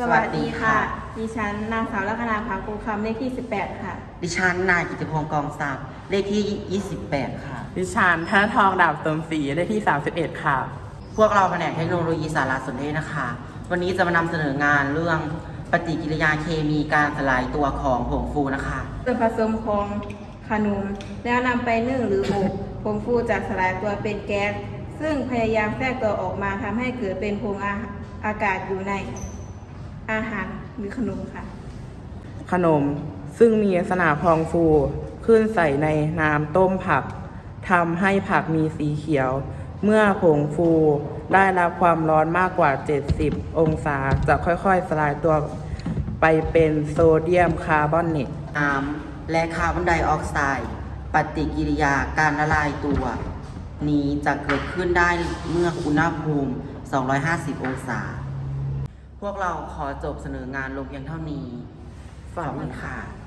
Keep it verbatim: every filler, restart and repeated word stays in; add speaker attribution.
Speaker 1: สวัสดีค่ะ ดิฉันนางสาวลัคนาภาคูคำเลขที่สิบแปดค่ะ
Speaker 2: ดิฉันนายกิติพงศ์กองศักดิ์เลขที่ยี่สิบแปดค่ะ
Speaker 3: ดิฉันธนทองดาบเติมศรีเลขที่สามสิบเอ็ดค่ะ
Speaker 2: พวกเราแผนกเทคโนโลยีสารสนเทศนะคะ วันนี้จะมานำเสนองานเรื่องปฏิกิริยาเคมีการสลายตัวของผงฟูนะคะ
Speaker 1: ส่วนผสมของขนมแล้วนำไปนึ่งหรืออบผงฟูจะสลายตัวเป็นแก๊สซึ่งพยายามแทรกตัวออกมาทำให้เกิดเป็นผงอาอากาศอยู่ในอาหารหรือขนมค่ะ
Speaker 3: ขนมซึ่งมีลักษณะพองฟูขึ้นใส่ในน้ำต้มผักทำให้ผักมีสีเขียว เมื่อผงฟูได้รับความร้อนมากกว่า เจ็ดสิบ องศาจะค่อยๆ สลายตัวไปเป็นโซเดียมคาร์บอเนต
Speaker 2: น้ำและคาร์บอนไดออกไซด์ปฏิกิริยาการละลายตัว นี้จะเกิดขึ้นได้เมื่ออุณหภูมิ สองร้อยห้าสิบ องศา พวกเราขอจบเสนองานลงเพียงเท่านี้ขอบคุณค่ะ